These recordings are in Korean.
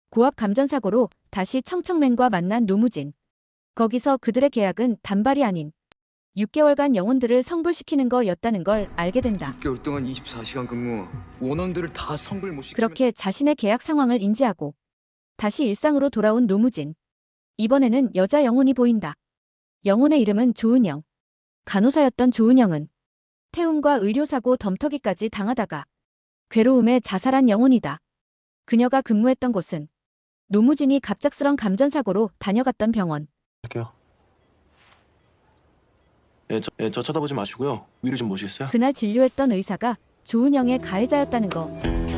고압 감전사고로 다시 청청맨과 만난 노무진. 거기서 그들의 계약은 단발이 아닌 6개월간 영혼들을 성불시키는 거였다는 걸 알게 된다. 6개월 동안 24시간 근무, 원원들을 다 성불 못 시키면 그렇게 자신의 계약 상황을 인지하고 다시 일상으로 돌아온 노무진. 이번에는 여자 영혼이 보인다. 영혼의 이름은 조은영. 간호사였던 조은영은 태움과 의료사고 덤터기까지 당하다가 괴로움에 자살한 영혼이다. 그녀가 근무했던 곳은 노무진이 갑작스런 감전사고로 다녀갔던 병원. 할게요. 저 쳐다보지 마시고요. 위로 좀 모시겠어요? 그날 진료했던 의사가 조은영의 가해자였다는 거.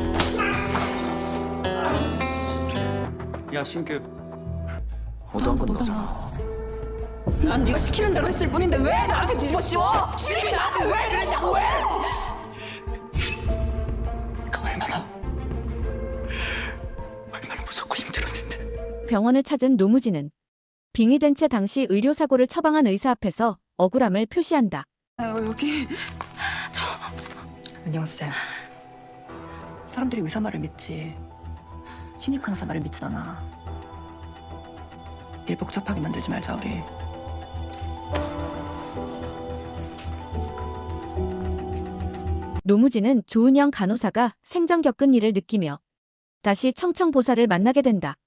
야 신규 너도 한 거잖아. 난 네가 시키는 대로 했을 뿐인데 왜 나한테 뒤집어 씌워? 주임이 나한테 왜 그랬냐고 왜? 그 얼마나 무섭고 힘들었는데. 병원을 찾은 노무진은 빙의된 채 당시 의료사고를 처방한 의사 앞에서 억울함을 표시한다. 여기 안녕하세요. 사람들이 의사 말을 믿지 신입 간호사 말을 믿진 않아. 일 복잡하게 만들지 말자 우리. 노무진은 조은영 간호사가 생전 겪은 일을 느끼며 다시 청청보살을 만나게 된다.